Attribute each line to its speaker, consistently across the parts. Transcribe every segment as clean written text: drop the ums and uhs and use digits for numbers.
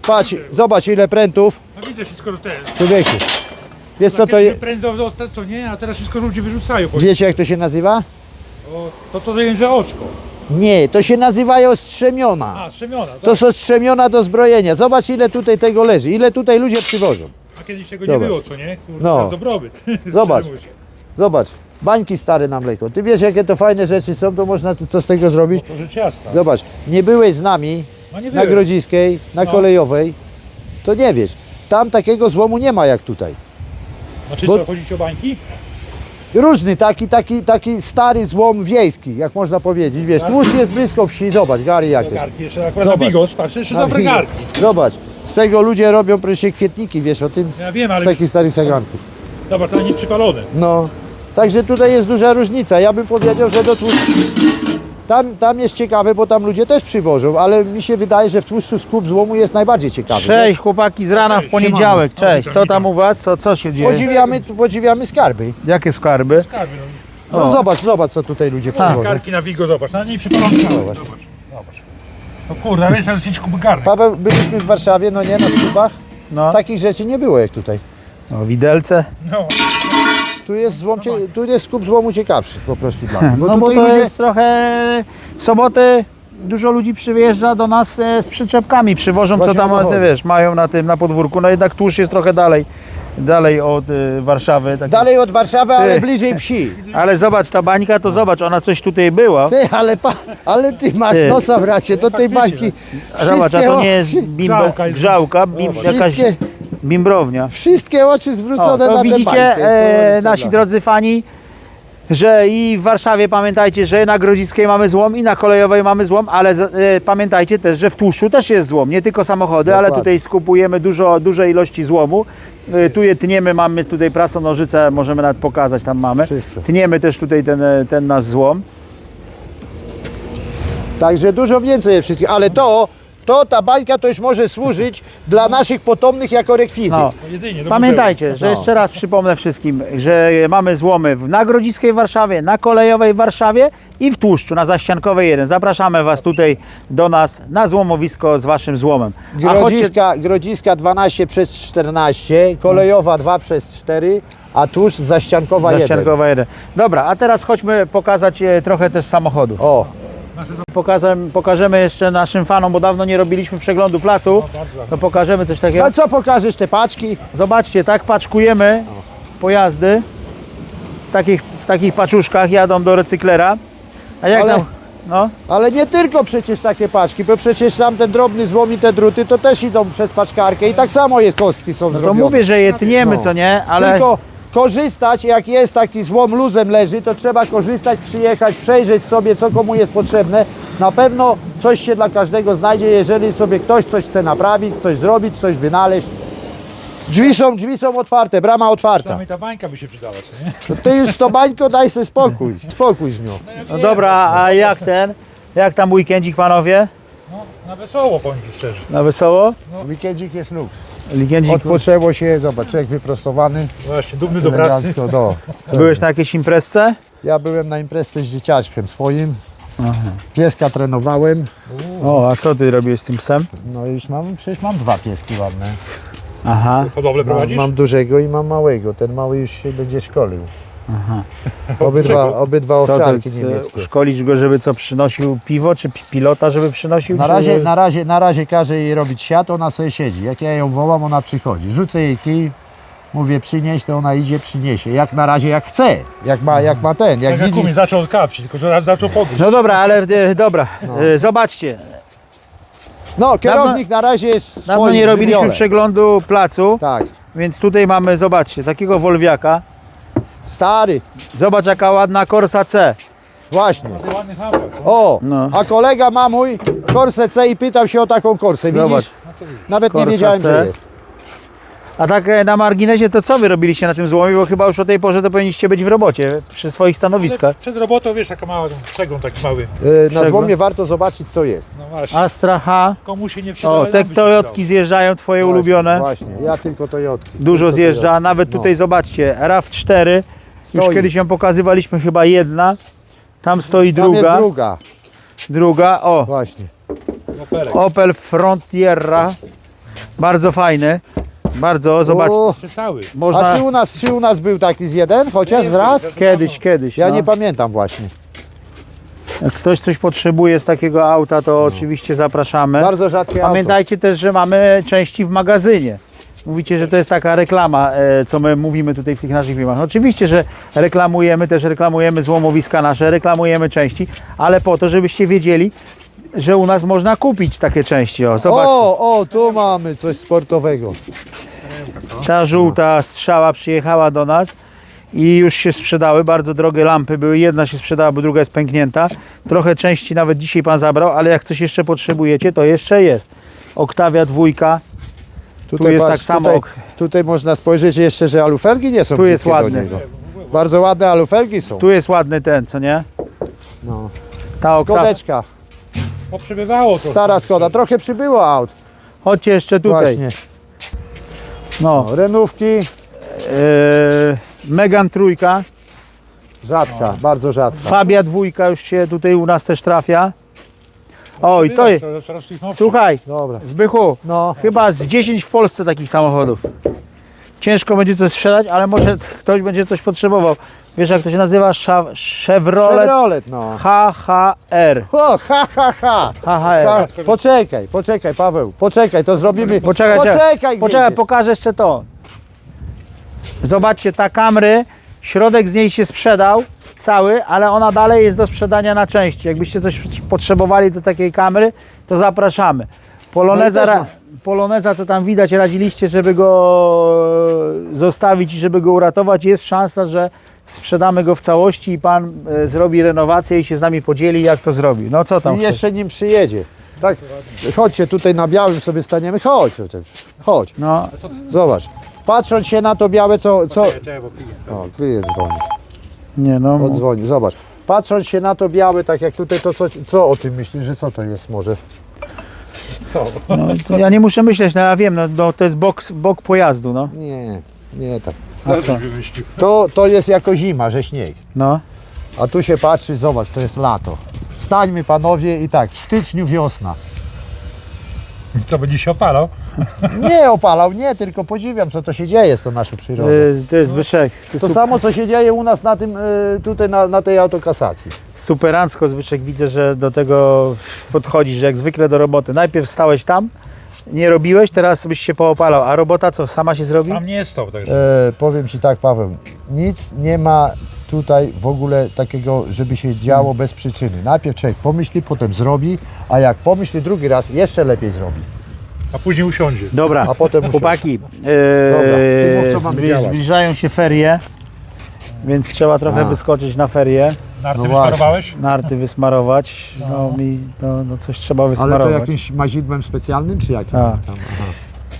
Speaker 1: Patrz, zobacz ile prętów.
Speaker 2: No widzę wszystko do tego.
Speaker 1: Człowieku. Wiesz co to jest?
Speaker 2: Prędzą dostać, co nie? A teraz wszystko ludzie wyrzucają.
Speaker 1: Wiecie jak to się nazywa?
Speaker 2: To wiem, że oczko.
Speaker 1: Nie, to się nazywają strzemiona.
Speaker 2: A, strzemiona.
Speaker 1: To są strzemiona do zbrojenia. Zobacz ile tutaj tego leży, ile tutaj ludzie przywożą.
Speaker 2: A kiedyś tego
Speaker 1: Zobacz.
Speaker 2: nie było, co nie? Kurde,
Speaker 1: No.
Speaker 2: teraz dobrobyt.
Speaker 1: Zobacz. Zobacz, bańki stare na mleko. Ty wiesz jakie to fajne rzeczy są, to można co z tego zrobić?
Speaker 2: To rzecz jasna.
Speaker 1: Zobacz, nie byłeś z nami
Speaker 2: No nie
Speaker 1: na
Speaker 2: byłem.
Speaker 1: Grodziskiej, na
Speaker 2: No.
Speaker 1: Kolejowej, to nie wiesz. Tam takiego złomu nie ma jak tutaj.
Speaker 2: Znaczy
Speaker 1: Bo-
Speaker 2: co, chodzi o bańki?
Speaker 1: Różny, taki stary złom wiejski, jak można powiedzieć. Wiesz, tłuszcz jest blisko wsi, zobacz, Gary jak
Speaker 2: Do
Speaker 1: jest.
Speaker 2: garki, jeszcze akurat na
Speaker 1: Zobacz.
Speaker 2: bigos, patrz, jeszcze są dobre garki.
Speaker 1: Zobacz, z tego ludzie robią proszę kwietniki, wiesz o tym?
Speaker 2: Ja wiem,
Speaker 1: Z
Speaker 2: ale
Speaker 1: takich starych saganków.
Speaker 2: zobacz, ale nie przypalone.
Speaker 1: No, także tutaj jest duża różnica. Ja bym powiedział, że do tłuszczu... Tam jest ciekawe, bo tam ludzie też przywożą, ale mi się wydaje, że w tłuszczu skup złomu jest najbardziej ciekawy.
Speaker 3: Cześć chłopaki z rana w poniedziałek, cześć. Co tam u was? Co się dzieje?
Speaker 1: Podziwiamy skarby.
Speaker 3: Jakie skarby?
Speaker 2: Skarby, no.
Speaker 1: No zobacz co tutaj ludzie przywożą.
Speaker 2: Garki na bigo, zobacz, na niej przypalone. Zobacz. No kurde, wiesz, ale 5 kubek garnek.
Speaker 1: Paweł, byliśmy w Warszawie, no nie, na sklepach.
Speaker 3: No,
Speaker 1: Takich rzeczy nie było jak tutaj.
Speaker 3: no widelce.
Speaker 2: No.
Speaker 1: Tu jest skup złomu ciekawszy po prostu dla mnie.
Speaker 3: No bo
Speaker 1: tutaj
Speaker 3: to
Speaker 1: ludzie...
Speaker 3: jest trochę w sobotę dużo ludzi przyjeżdża do nas z przyczepkami, przywożą co
Speaker 1: Właśnie
Speaker 3: tam,
Speaker 1: o to chodzi.
Speaker 3: wiesz, mają na podwórku. No jednak tłuszcz jest trochę dalej od Warszawy. Tak.
Speaker 1: Dalej od Warszawy, ale
Speaker 3: Ty.
Speaker 1: bliżej wsi.
Speaker 3: Ale zobacz, ta bańka, to zobacz, ona coś tutaj była.
Speaker 1: Ty, ale ty masz
Speaker 3: Ty.
Speaker 1: nosa, bracie, do tej bańki.
Speaker 3: A zobacz, a to nie jest
Speaker 2: Grzałka jest.
Speaker 3: grzałka, jakaś
Speaker 1: Wszystkie-
Speaker 3: bimbrownia.
Speaker 1: Wszystkie oczy zwrócone
Speaker 3: To
Speaker 1: na tę
Speaker 3: widzicie,
Speaker 1: bańkę. Kurczę,
Speaker 3: nasi
Speaker 1: no.
Speaker 3: drodzy fani, że i w Warszawie pamiętajcie, że na Grodziskiej mamy złom i na Kolejowej mamy złom, ale pamiętajcie też, że w tłuszczu też jest złom, nie tylko samochody, ale
Speaker 1: Dokładnie.
Speaker 3: tutaj skupujemy duże ilości złomu. Tu je tniemy, mamy tutaj prasonożyce, możemy nawet pokazać, tam mamy.
Speaker 1: Wszystko.
Speaker 3: Tniemy też tutaj ten nasz złom.
Speaker 1: Także dużo więcej jest wszystkich, ale ta bańka to już może służyć dla naszych potomnych jako rekwizyt.
Speaker 3: No.
Speaker 2: To jedynie, do
Speaker 3: Pamiętajcie, że
Speaker 1: No.
Speaker 3: jeszcze raz przypomnę wszystkim, że mamy złomy na Grodziskiej w Warszawie, na Kolejowej w Warszawie i w Tłuszczu na Zaściankowej 1. Zapraszamy Was tutaj do nas na złomowisko z Waszym złomem. A chodźcie,
Speaker 1: Grodziska 12/14, Kolejowa 2/4, a tuż Zaściankowa 1.
Speaker 3: Zaściankowa 1. Dobra, a teraz chodźmy pokazać trochę też samochodów.
Speaker 1: O,
Speaker 3: Pokażemy jeszcze naszym fanom, bo dawno nie robiliśmy przeglądu placu, to pokażemy coś takiego.
Speaker 1: a co pokażesz te paczki?
Speaker 3: Zobaczcie, tak paczkujemy pojazdy w takich paczuszkach, jadą do recyklera. A jak
Speaker 1: Ale-
Speaker 3: tam? No,
Speaker 1: Ale nie tylko przecież takie paczki, bo przecież tam ten drobny złom i te druty to też idą przez paczkarkę i tak samo jest kostki są
Speaker 3: no to
Speaker 1: zrobione.
Speaker 3: mówię, że je tniemy,
Speaker 1: No.
Speaker 3: co nie? Ale
Speaker 1: Tylko korzystać, jak jest taki złom luzem leży, to trzeba korzystać, przyjechać, przejrzeć sobie, co komu jest potrzebne. Na pewno coś się dla każdego znajdzie, jeżeli sobie ktoś coś chce naprawić, coś zrobić, coś wynaleźć. Drzwi są otwarte, brama otwarta.
Speaker 2: Przynajmniej ta bańka by się przydała, co nie?
Speaker 1: To ty już to bańko daj sobie spokój z nią.
Speaker 3: no dobra, a jak tam weekendzik, panowie?
Speaker 2: No, na wesoło, powiem ci szczerze.
Speaker 3: Na wesoło?
Speaker 1: Weekendzik jest luks.
Speaker 3: Weekendzik.
Speaker 1: Odpoczęło się, zobacz, człowiek wyprostowany,
Speaker 2: Właśnie, dumny do pracy.
Speaker 1: elegancko, no.
Speaker 3: Byłeś na jakiejś imprezce?
Speaker 1: Ja byłem na imprezie z dzieciaczkiem swoim, pieska trenowałem,
Speaker 3: O, a co ty robiłeś z tym psem?
Speaker 1: no już przecież mam dwa pieski ładne.
Speaker 3: Aha.
Speaker 2: Hodowlę prowadzisz?
Speaker 1: Mam dużego i mam małego, ten mały już się będzie szkolił. Obydwa
Speaker 3: Co
Speaker 1: owczarki
Speaker 3: ty,
Speaker 1: niemieckie.
Speaker 3: szkolić go, żeby co, przynosił piwo, czy pilota, żeby przynosił?
Speaker 1: Na razie każę jej robić siat, ona sobie siedzi. Jak ja ją wołam, ona przychodzi. Rzucę jej kij, mówię przynieś, to ona idzie, przyniesie. Jak na razie jak chce, jak ma ten, jak
Speaker 2: Tak jak
Speaker 1: widzi.
Speaker 2: umie, zaczął od kapci, tylko że raz zaczął podróż.
Speaker 3: No dobra, ale dobra, zobaczcie.
Speaker 1: No, kierownik na razie jest w
Speaker 3: Dawno
Speaker 1: swoim
Speaker 3: nie robiliśmy
Speaker 1: żywiole.
Speaker 3: przeglądu placu,
Speaker 1: Tak,
Speaker 3: więc tutaj mamy, zobaczcie, takiego Wolwiaka.
Speaker 1: stary,
Speaker 3: Zobacz jaka ładna Corsa C.
Speaker 1: właśnie.
Speaker 2: Ładny hamper, co?
Speaker 1: O,
Speaker 3: No.
Speaker 1: a kolega ma mój Corsę C i pytał się o taką Corsę,
Speaker 3: Zobacz.
Speaker 1: widzisz? Nawet nie
Speaker 3: Corsa
Speaker 1: wiedziałem,
Speaker 3: C.
Speaker 1: że jest.
Speaker 3: A tak na marginesie, to co wy robiliście na tym złomie? Bo chyba już o tej porze to powinniście być w robocie, przy swoich stanowiskach.
Speaker 2: Przed robotą, wiesz, taka mała, przegląd taki mały.
Speaker 1: Na złomie warto zobaczyć, co jest.
Speaker 2: No właśnie,
Speaker 3: Astra H.
Speaker 2: komu się nie przyda,
Speaker 3: O,
Speaker 2: ale
Speaker 3: te
Speaker 2: nam by się
Speaker 3: Toyotki zjeżdżają, twoje ulubione.
Speaker 1: Właśnie, ja tylko Toyotki.
Speaker 3: Dużo
Speaker 1: Tylko
Speaker 3: zjeżdża,
Speaker 1: Toyotki.
Speaker 3: nawet tutaj zobaczcie, RAV4. Już
Speaker 1: Stoi.
Speaker 3: kiedyś ją pokazywaliśmy, chyba jedna. Tam stoi
Speaker 1: Tam jest
Speaker 3: druga.
Speaker 1: druga,
Speaker 3: O,
Speaker 1: właśnie.
Speaker 2: przyda. Opelek.
Speaker 3: Opel Frontiera. Bardzo fajny. Bardzo, zobacz.
Speaker 1: O,
Speaker 2: Jeszcze cały.
Speaker 1: a
Speaker 3: Można
Speaker 1: czy u nas był taki z jeden, chociaż z raz?
Speaker 3: kiedyś.
Speaker 1: Ja
Speaker 3: no.
Speaker 1: nie pamiętam właśnie.
Speaker 3: Jak ktoś coś potrzebuje z takiego auta, to oczywiście zapraszamy.
Speaker 1: Bardzo rzadkie auto.
Speaker 3: Pamiętajcie też, że mamy części w magazynie. Mówicie, że to jest taka reklama, co my mówimy tutaj w tych naszych filmach. Oczywiście, że reklamujemy złomowiska nasze, reklamujemy części, ale po to, żebyście wiedzieli, że u nas można kupić takie części. O, zobaczcie.
Speaker 1: O, tu mamy coś sportowego.
Speaker 3: Ta żółta strzała przyjechała do nas i już się sprzedały. Bardzo drogie lampy były. Jedna się sprzedała, bo druga jest pęknięta. Trochę części nawet dzisiaj pan zabrał, ale jak coś jeszcze potrzebujecie, to jeszcze jest. Oktawia 2. Tu jest tak samo.
Speaker 1: Tutaj można spojrzeć jeszcze, że alufelgi nie są
Speaker 3: Tu jest
Speaker 1: brzydkie do
Speaker 3: ładny.
Speaker 1: niego. Bardzo ładne alufelgi są.
Speaker 3: Tu jest ładny ten, co nie?
Speaker 1: No.
Speaker 3: Ta oktawia.
Speaker 1: Skodeczka,
Speaker 2: Poprzebywało to.
Speaker 1: stara Skoda. Trochę przybyło aut.
Speaker 3: Chodźcie jeszcze tutaj.
Speaker 1: Właśnie.
Speaker 3: No.
Speaker 1: No, renówki,
Speaker 3: Megan 3.
Speaker 1: rzadka, bardzo rzadka.
Speaker 3: Fabia 2 już się tutaj u nas też trafia. O i to jest. Słuchaj,
Speaker 1: Dobra.
Speaker 3: Zbychu,
Speaker 1: No.
Speaker 3: chyba z 10 w Polsce takich samochodów. Ciężko będzie coś sprzedać, ale może ktoś będzie coś potrzebował. Wiesz jak to się nazywa? Chevrolet
Speaker 1: Chevrolet, no.
Speaker 3: HHR.
Speaker 1: O, ha, ha, ha.
Speaker 3: HHR.
Speaker 1: Poczekaj, Paweł, poczekaj, to zrobimy.
Speaker 3: Poczekaj,
Speaker 1: Poczekaj,
Speaker 3: pokażę jeszcze to. Zobaczcie, ta Camry, środek z niej się sprzedał cały, ale ona dalej jest do sprzedania na części. Jakbyście coś potrzebowali do takiej Camry, to zapraszamy. Poloneza,
Speaker 1: No i też
Speaker 3: Poloneza to tam widać, radziliście, żeby go zostawić i żeby go uratować. Jest szansa, że sprzedamy go w całości i pan zrobi renowację i się z nami podzieli, jak to zrobi. No co tam
Speaker 1: I
Speaker 3: chcesz?
Speaker 1: jeszcze nim przyjedzie. Tak, chodźcie tutaj na białym sobie staniemy. Chodź.
Speaker 3: No,
Speaker 1: Zobacz. Patrząc się na to białe, co... O, klient dzwoni.
Speaker 3: nie no.
Speaker 1: Odzwoni, zobacz. Patrząc się na to białe, tak jak tutaj, to co o tym myślisz, że co to jest może?
Speaker 2: Co?
Speaker 3: No, ja nie muszę myśleć, no ja wiem, no to jest bok pojazdu, no.
Speaker 1: Nie tak.
Speaker 2: Co żeś wymyślił?
Speaker 1: To jest jako zima, że śnieg.
Speaker 3: No.
Speaker 1: A tu się patrzy, zobacz, to jest lato. Stańmy panowie i tak, w styczniu wiosna.
Speaker 2: I co, będzie się opalał?
Speaker 1: Nie opalał, nie, tylko podziwiam, co to się dzieje z tą naszą przyrodą.
Speaker 3: To jest Zbyszek.
Speaker 1: To samo, co się dzieje u nas na tym, tutaj na tej autokasacji.
Speaker 3: Superancko, Zbyszek, widzę, że do tego podchodzisz, że jak zwykle do roboty. Najpierw stałeś tam, nie robiłeś, teraz byś się poopalał, a robota co, sama się zrobi?
Speaker 2: Sam nie stał, także.
Speaker 1: Powiem Ci tak, Paweł, nic nie ma tutaj w ogóle takiego, żeby się działo bez przyczyny. Najpierw człowiek pomyśli, potem zrobi, a jak pomyśli drugi raz, jeszcze lepiej zrobi.
Speaker 2: A później usiądzie.
Speaker 3: Dobra,
Speaker 1: A potem
Speaker 3: chłopaki,
Speaker 1: ty mów, co mamy działać.
Speaker 3: zbliżają się ferie, więc trzeba trochę wyskoczyć na ferie,
Speaker 2: Narty
Speaker 1: No
Speaker 2: wysmarowałeś?
Speaker 3: narty wysmarować, no coś trzeba
Speaker 1: Ale
Speaker 3: wysmarować.
Speaker 1: to jakimś mazidłem specjalnym, czy jakim?
Speaker 3: Tak.
Speaker 1: Tam, aha.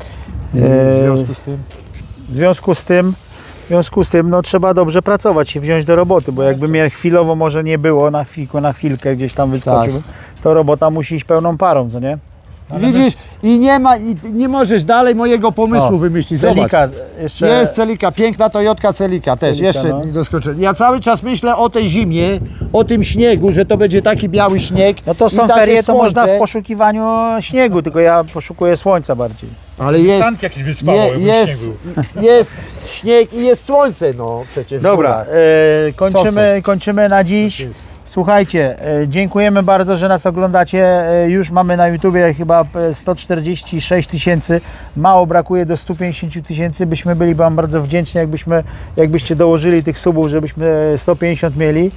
Speaker 3: E,
Speaker 1: W związku z tym?
Speaker 3: W związku z tym no, trzeba dobrze pracować, się wziąć do roboty, bo jakby mnie chwilowo może nie było, na chwilkę gdzieś tam wyskoczył, to robota musi iść pełną parą, co nie?
Speaker 1: Widzisz, i nie ma, i nie możesz dalej mojego pomysłu
Speaker 3: O,
Speaker 1: wymyślić. Zobacz.
Speaker 3: Celika jeszcze.
Speaker 1: Jest Celika, piękna Toyotka Celika też,
Speaker 3: Celika,
Speaker 1: jeszcze
Speaker 3: no.
Speaker 1: nie doskoczyłem. Ja cały czas myślę o tej zimie, o tym śniegu, że to będzie taki biały śnieg.
Speaker 3: No to
Speaker 1: i
Speaker 3: są
Speaker 1: takie
Speaker 3: ferie, to
Speaker 1: słońce,
Speaker 3: można w poszukiwaniu śniegu, tylko ja poszukuję słońca bardziej.
Speaker 1: Ale jest,
Speaker 2: Sanki jakieś wyspało, jakby
Speaker 1: jest,
Speaker 2: śnieg był.
Speaker 1: jest śnieg i jest słońce, no przecież. w
Speaker 3: Dobra,
Speaker 1: górach.
Speaker 3: kończymy na dziś. Słuchajcie, dziękujemy bardzo, że nas oglądacie. Już mamy na YouTubie chyba 146 000. Mało brakuje do 150 000. Byśmy byli Wam bardzo wdzięczni, jakbyście dołożyli tych subów, żebyśmy 150 mieli.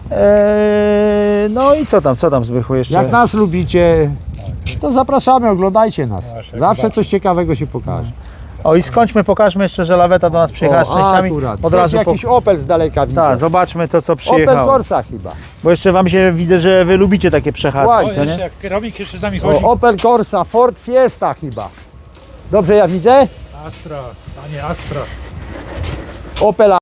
Speaker 3: No i co tam Zbychu jeszcze?
Speaker 1: Jak nas lubicie, to zapraszamy, oglądajcie nas.
Speaker 2: Właśnie,
Speaker 1: Zawsze coś ciekawego się pokaże.
Speaker 3: O i pokażmy jeszcze, że laweta do nas przyjechała z częściami.
Speaker 1: akurat.
Speaker 3: Od
Speaker 1: Też
Speaker 3: razu
Speaker 1: jakiś Opel z daleka widzę.
Speaker 3: Tak, zobaczmy to, co
Speaker 1: Opel
Speaker 3: przyjechało.
Speaker 1: Corsa chyba.
Speaker 3: Bo jeszcze Wam się widzę, że Wy lubicie takie przechadzki,
Speaker 1: Właśnie,
Speaker 3: co
Speaker 2: Jeszcze
Speaker 3: nie?
Speaker 2: jak kierownik jeszcze z nami chodzi.
Speaker 1: O, Opel Corsa, Ford Fiesta chyba. Dobrze ja widzę?
Speaker 2: Astra, a nie Astra.
Speaker 1: Opel